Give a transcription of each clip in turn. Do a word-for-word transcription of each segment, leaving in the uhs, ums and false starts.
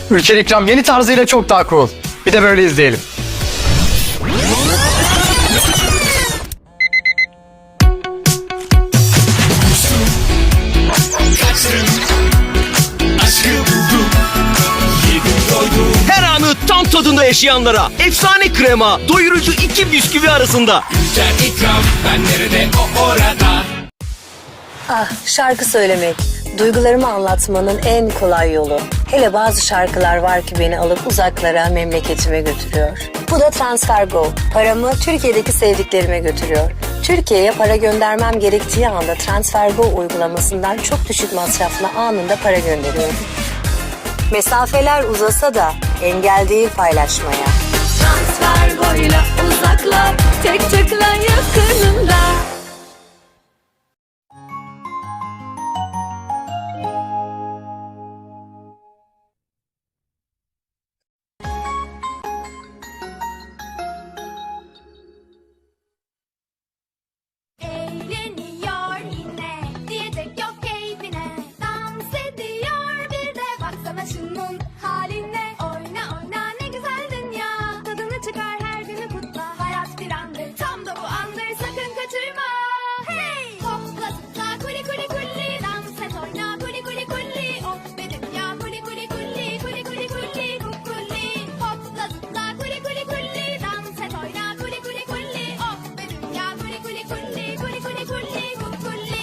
Ülker İkram yeni tarzıyla çok daha cool. Bir de böyle izleyelim. Her anı tam tadında yaşayanlara efsane krema, doyurucu iki bisküvi arasında. Ülker İkram, ben nerede o orada. Ah, şarkı söylemek. Duygularımı anlatmanın en kolay yolu. Hele bazı şarkılar var ki beni alıp uzaklara, memleketime götürüyor. Bu da TransferGo. Paramı Türkiye'deki sevdiklerime götürüyor. Türkiye'ye para göndermem gerektiği anda TransferGo uygulamasından çok düşük masrafla anında para gönderiyorum. Mesafeler uzasa da engel değil paylaşmaya. TransferGo'yla uzaklar, tek tıkla yakınında. Eğleniyor yine, diyecek yok keyfine. Dans ediyor bir de, baksana şunun haline. Oyna oyna ne güzel dünya, tadını çıkar her günü kutla. Hayat bir andır, tam da bu andır, sakın kaçırma. Hey! Hopla zıpla kuli kuli kuli, dans et oyna kuli kuli kuli. Oh be dünya kuli kuli kuli, kuli kuli kuli kukuli. Hopla zıpla kuli kuli kuli, dans et oyna kuli kuli kuli. Oh be dünya kuli kuli kuli, kuli kuli kuli kukuli.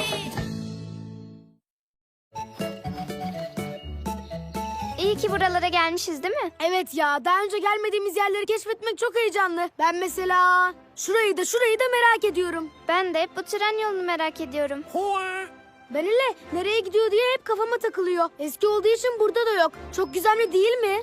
İyi ki buralara gelmişiz değil mi? Evet ya, daha önce gelmediğimiz yerleri keşfetmek çok heyecanlı. Ben mesela şurayı da şurayı da merak ediyorum. Ben de hep bu tren yolunu merak ediyorum. Ben hele nereye gidiyor diye hep kafama takılıyor. Eski olduğu için burada da yok. Çok gizemli değil mi?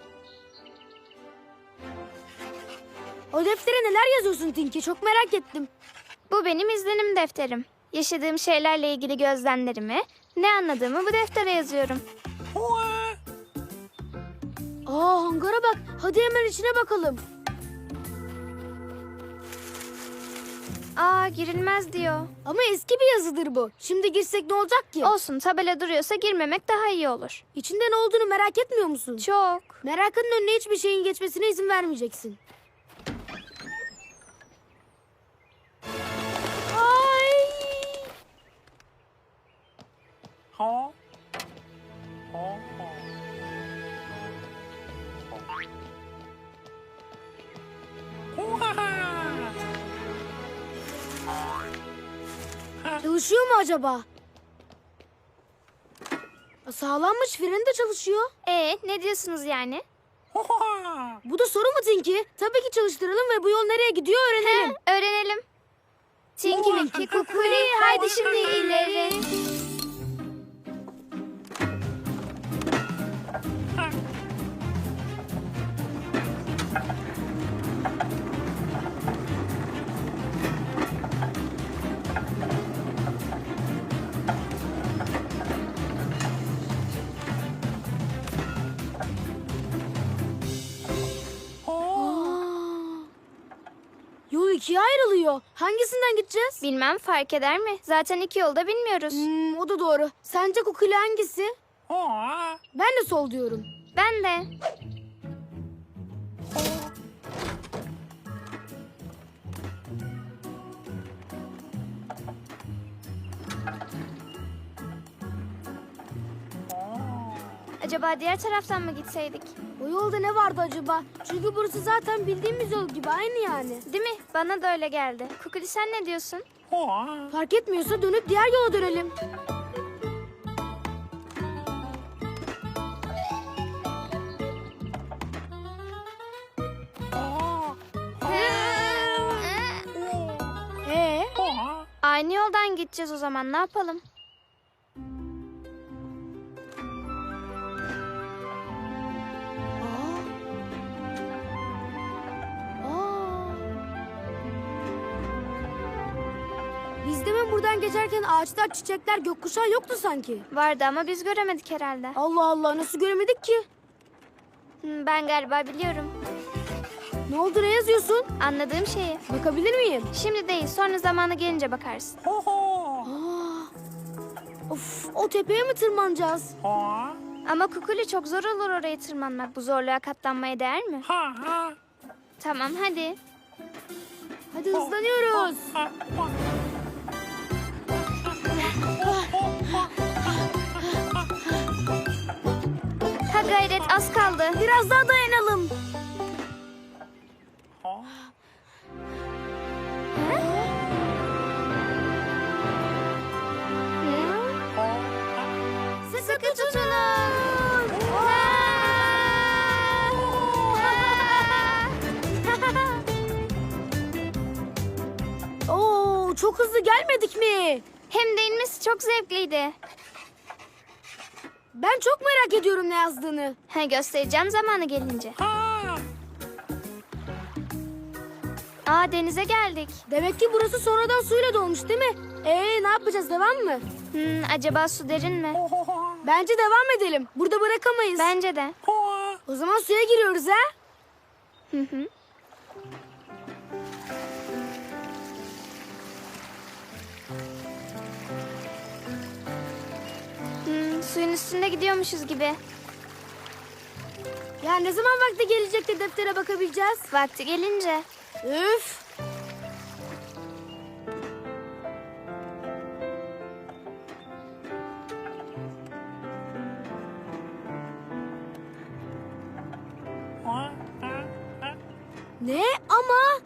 O deftere neler yazıyorsun Tinky? Çok merak ettim. Bu benim izlenim defterim. Yaşadığım şeylerle ilgili gözlemlerimi, ne anladığımı bu deftere yazıyorum. Aa, hangara bak. Hadi hemen içine bakalım. Aa, girilmez diyor. Ama eski bir yazıdır bu. Şimdi girsek ne olacak ki? Olsun, tabela duruyorsa girmemek daha iyi olur. İçinde ne olduğunu merak etmiyor musun? Çok. Merakının önüne hiçbir şeyin geçmesine izin vermeyeceksin. Ay! Çalışıyor mu acaba? Sağlanmış, freni de çalışıyor. Ee, ne diyorsunuz yani? Bu da soru mu Tinky? Tabii ki çalıştıralım ve bu yol nereye gidiyor öğrenelim. He, öğrenelim. Tinky Winky Kukuli, haydi şimdi ileri. Yol ikiye ayrılıyor. Hangisinden gideceğiz? Bilmem, fark eder mi? Zaten iki yolda bilmiyoruz. Hmm, o da doğru. Sence Kukuli hangisi? Ben de sol diyorum. Ben de. Acaba diğer taraftan mı gitseydik? O yolda ne vardı acaba? Çünkü burası zaten bildiğimiz yol gibi, aynı yani. Değil mi? Bana da öyle geldi. Kukuli, sen ne diyorsun? Fark etmiyorsa dönüp diğer yola dönelim. Ee? Aynı yoldan gideceğiz o zaman, ne yapalım? Biz demin buradan geçerken ağaçlar, çiçekler, gökkuşağı yoktu sanki. Vardı ama biz göremedik herhalde. Allah Allah, nasıl göremedik ki? Hmm, Ben galiba biliyorum. Ne oldu, ne yazıyorsun? Anladığım şeyi. Bakabilir miyim? Şimdi değil, sonra zamanı gelince bakarsın. Aa, of, o tepeye mi tırmanacağız? Ama Kukuli çok zor olur oraya tırmanmak. Bu zorluğa katlanmaya değer mi? Tamam hadi. Hadi hızlanıyoruz. Ha gayret az kaldı. Biraz daha dayanalım. Sıkı tutunun. Oo, çok hızlı gelmedik mi? Hem de inmesi çok zevkliydi. Ben çok merak ediyorum ne yazdığını. Ha, göstereceğim zamanı gelince. Aa, denize geldik. Demek ki burası sonradan suyla dolmuş değil mi? Ee, ne yapacağız, devam mı? Hmm, acaba su derin mi? Bence devam edelim. Burada bırakamayız. Bence de. O zaman suya giriyoruz ha? Hı hı. Hmm, suyun üstünde gidiyormuşuz gibi. Ya ne zaman vakti gelecek de deftere bakabileceğiz? Vakti gelince. Üf! Ne ama?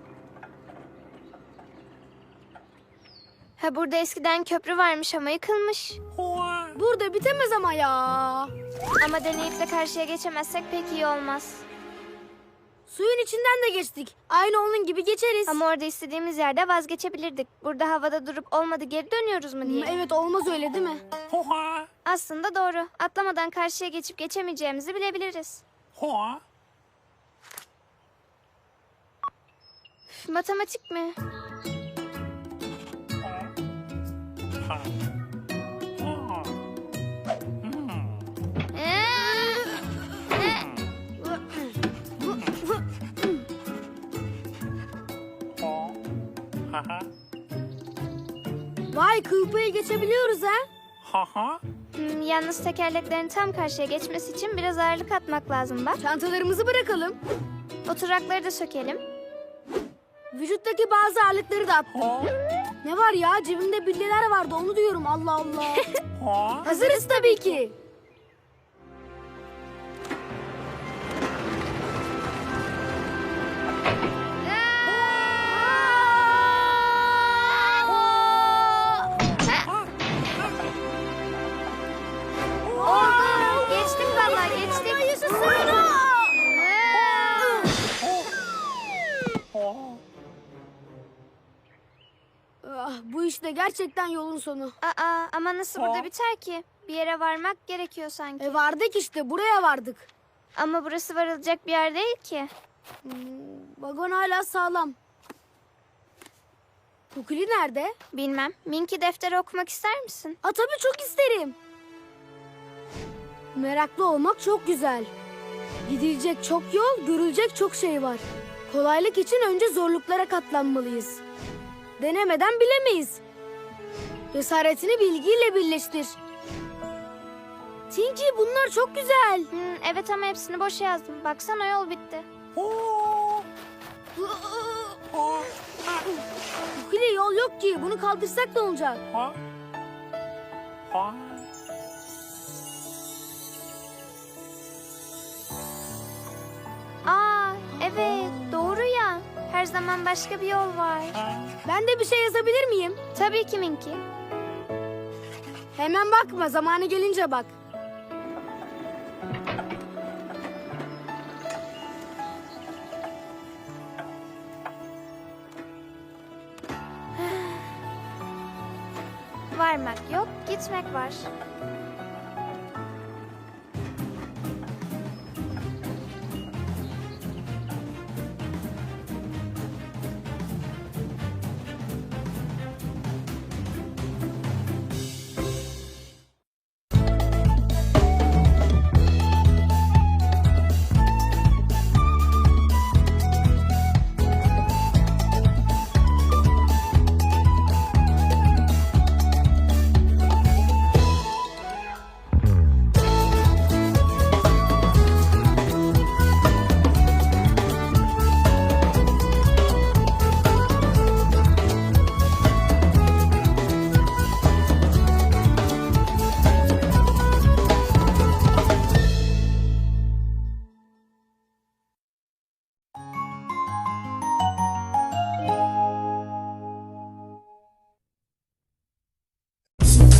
Ha, burada eskiden köprü varmış ama yıkılmış. Burada bitemez ama ya. Ama deneyip de karşıya geçemezsek pek iyi olmaz. Suyun içinden de geçtik. Aynı onun gibi geçeriz. Ama orada istediğimiz yerde vazgeçebilirdik. Burada havada durup olmadı geri dönüyoruz mu diye. Hmm, evet, olmaz öyle değil mi? Aslında doğru. Atlamadan karşıya geçip geçemeyeceğimizi bilebiliriz. Üf, matematik mi? Vay, kılpayı geçebiliyoruz ha? Hmm, yalnız tekerleklerin tam karşıya geçmesi için biraz ağırlık atmak lazım bak. Çantalarımızı bırakalım. Oturakları da sökelim. Vücuttaki bazı ağırlıkları da attım. Ne var ya, cebimde bilyeler vardı, onu diyorum, Allah Allah. Hazırız tabii ki. Oldu. Geçtik vallahi geçtik. Ah, bu işte gerçekten yolun sonu. Aa, ama nasıl burada biter ki? Bir yere varmak gerekiyor sanki. E vardık işte, buraya vardık. Ama burası varılacak bir yer değil ki. Hmm, vagon hala sağlam. Kukuli nerede? Bilmem. Minki defteri okumak ister misin? Aa, tabii çok isterim. Meraklı olmak çok güzel. Gidilecek çok yol, görülecek çok şey var. Kolaylık için önce zorluklara katlanmalıyız. Denemeden bilemeyiz. Cesaretini bilgiyle birleştir. Tinky, bunlar çok güzel. Hmm, evet ama hepsini boş yazdım. Baksana yol bitti. Kukuli, yol yok ki. Bunu kaldırsak ne olacak? Aa, evet doğru ya. Her zaman başka bir yol var. Ben de bir şey yazabilir miyim? Tabii ki Minki. Hemen bakma, zamanı gelince bak. Varmak yok, gitmek var.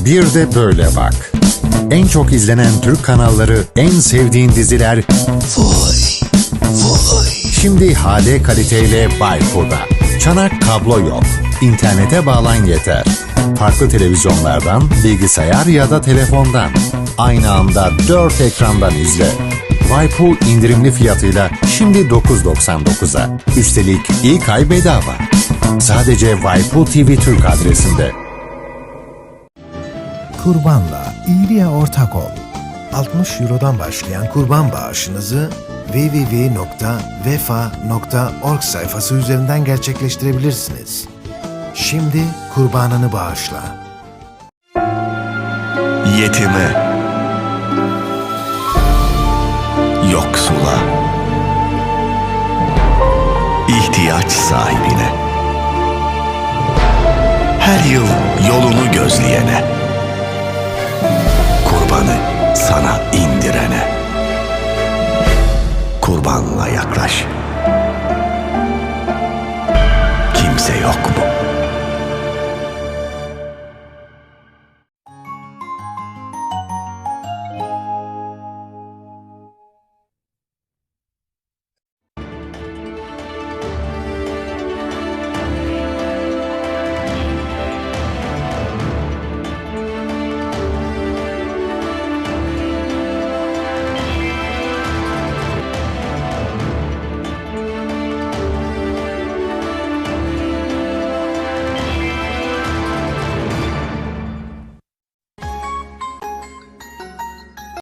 Bir de böyle bak. En çok izlenen Türk kanalları, en sevdiğin diziler... Vay, vay. Şimdi H D kaliteyle Waipu'da. Çanak kablo yok. İnternete bağlan yeter. Farklı televizyonlardan, bilgisayar ya da telefondan. Aynı anda dört ekrandan izle. Waipu indirimli fiyatıyla şimdi dokuz doksan dokuza. Üstelik ilk ay bedava. Sadece Waipu T V Türk adresinde. Kurbanla iyiliğe ortak ol. altmış Euro'dan başlayan kurban bağışınızı double-u double-u double-u nokta vefa nokta org sayfası üzerinden gerçekleştirebilirsiniz. Şimdi kurbanını bağışla. Yetime, yoksula, ihtiyaç sahibine, her yıl yolunu gözleyene, kurbanı sana indirene, kurbanla yaklaş. Kimse yok mu?